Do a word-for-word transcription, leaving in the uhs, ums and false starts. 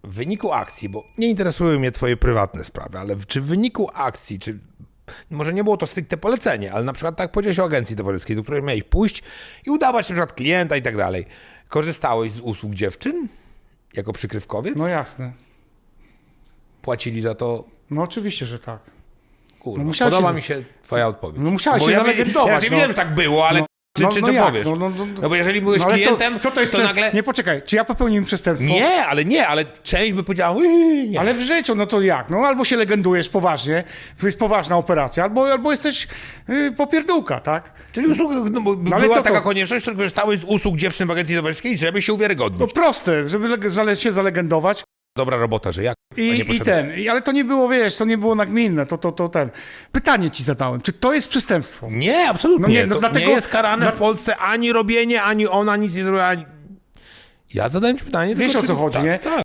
w wyniku akcji, bo nie interesują mnie twoje prywatne sprawy, ale czy w wyniku akcji, czy może nie było to stricte polecenie, ale na przykład tak powiedziałeś o agencji towarzyskiej, do której miałeś pójść i udawać na przykład klienta i tak dalej. Korzystałeś z usług dziewczyn jako przykrywkowiec? No jasne. Płacili za to? No oczywiście, że tak. Kurwa, No musiałeś podoba się- mi się twoja odpowiedź. No musiałeś Bo się ja zalegendować, Ja raczej no. wiem, że tak było, ale No. czy, No- czy no to jak? powiesz? No, No, no, no, no bo jeżeli byłeś No ale klientem, co, co to jest to prze- nagle... Nie, poczekaj, czy ja popełniłem przestępstwo? Nie, ale nie, ale część by powiedziała, "Ui, nie. Ale w życiu, no to jak? No albo się legendujesz poważnie, to jest poważna operacja, albo, albo jesteś yy, popierdółka, tak? Czyli usług, no, bo ale była co to? taka konieczność, że korzystałeś z usług dziewczyn w agencji towarzyskiej, żeby się uwiarygodnić. No proste, żeby leg- zale- się zalegendować. Dobra robota, że jak? a nie I, i poszedłeś. ten, i, ale to nie było, wiesz, to nie było nagminne, to, to, to ten. Pytanie ci zadałem, czy to jest przestępstwo? Nie, absolutnie. No nie, no to dlatego- nie jest karane dla- w Polsce ani robienie, ani ona nic nie zrobiła. Ani... Ja zadałem ci pytanie. Wiesz, tylko o co czy- chodzi, tak, nie? Tak.